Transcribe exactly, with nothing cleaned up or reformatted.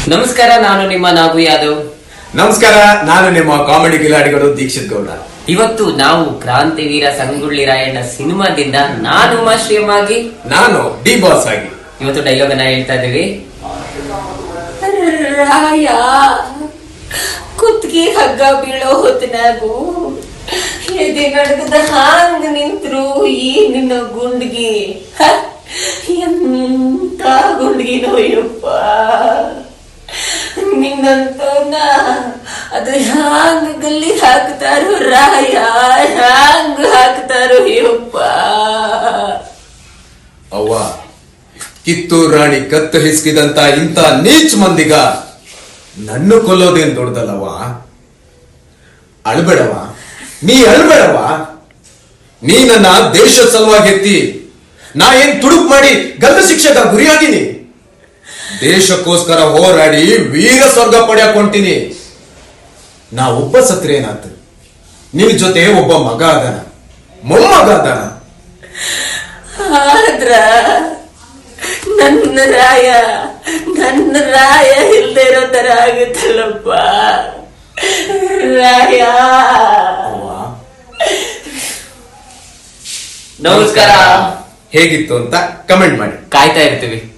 ನಮಸ್ಕಾರ, ನಾನು ನಿಮ್ಮ ನಾಗು ಯಾದವ್. ನಮಸ್ಕಾರ, ನಾನು ನಿಮ್ಮ ಕಾಮಿಡಿ ಕಿಲಾಡಿಗಳು ದೀಕ್ಷಿತ್ ಗೌಡ. ಇವತ್ತು ನಾವು ಕ್ರಾಂತಿವೀರ ಸಂಗೊಳ್ಳಿ ರಾಯಣ್ಣ ಸಿನಿಮಾದಿಂದ ನಾನು ಉಮಾಶ್ರೀಯಂ ಆಗಿ, ನಾನು ಡಿ ಬಾಸ್ ಆಗಿ ಇವತ್ತು ಡೈಲಾಗ್ ಅನ್ನ ಹೇಳ್ತಾ ಇದ್ದೀವಿ. ರಾಯ ಕುತ್ಗಿ ಹಗ್ಗ ಬೀಳೋ ಹೊತ್ತಿನಾಗು ಎದೆ ನಡಗದ ಹಾಂಗ ನಿಂತ್ರು ಈ ನಿನ್ನ ಗುಂಡ್ಗಿ. ಎಂತ ಗುಂಡ್ಗಿ ನೋಯಪ್ಪ ನಿನ್ನಂತವನ್ನ ಅದು ಹ್ಯಾಂಗ ಗಲ್ಲಿ ಹಾಕ್ತಾರೋ ರಾಯ, ಹ್ಯಾಂಗ ಹಾಕ್ತಾರೋ ಯಪ್ಪ. ಅವ್ವ, ಕಿತ್ತೂರು ರಾಣಿ ಕತ್ತು ಹಿಸ್ಕಿದಂತ ಇಂತ ನೀಚ್ ಮಂದಿಗ ನನ್ನ ಕೊಲ್ಲೋದೇನ್ ದೊಡ್ಡದಲ್ಲವ. ಅಳ್ಬೇಡವ, ನೀ ಅಳ್ಬೇಡವ. ನೀ ನನ್ನ ದೇಶದ ಸಲುವಾಗಿ ಎತ್ತಿ ನಾ ಏನ್ ತುಡುಕ್ ಮಾಡಿ ಗಲ್ಲು ಶಿಕ್ಷೆಗ ಗುರಿಯಾಗಿನಿ. ದೇಶಕ್ಕೋಸ್ಕರ ಹೋರಾಡಿ ವೀರ ಸ್ವರ್ಗ ಪಡೆಯಕೊಂತೀನಿ. ನಾ ಒಬ್ಬ ಸತ್ರೆ ಏನಾತ, ನಿನ್ ಜೊತೆ ಒಬ್ಬ ಮಗ ಅದನ, ಮೊಮ್ಮಗ ಅದನ. ಆದ್ರ ನನ್ನ ರಾಯ ನನ್ನ ರಾಯ ಇಲ್ದೇ ಇರೋ ತರ ಆಗುತ್ತಲ್ಲಪ್ಪ ರಾಯ. ನಮಸ್ಕಾರ. ಹೇಗಿತ್ತು ಅಂತ ಕಮೆಂಟ್ ಮಾಡಿ. ಕಾಯ್ತಾ ಇರ್ತೀವಿ.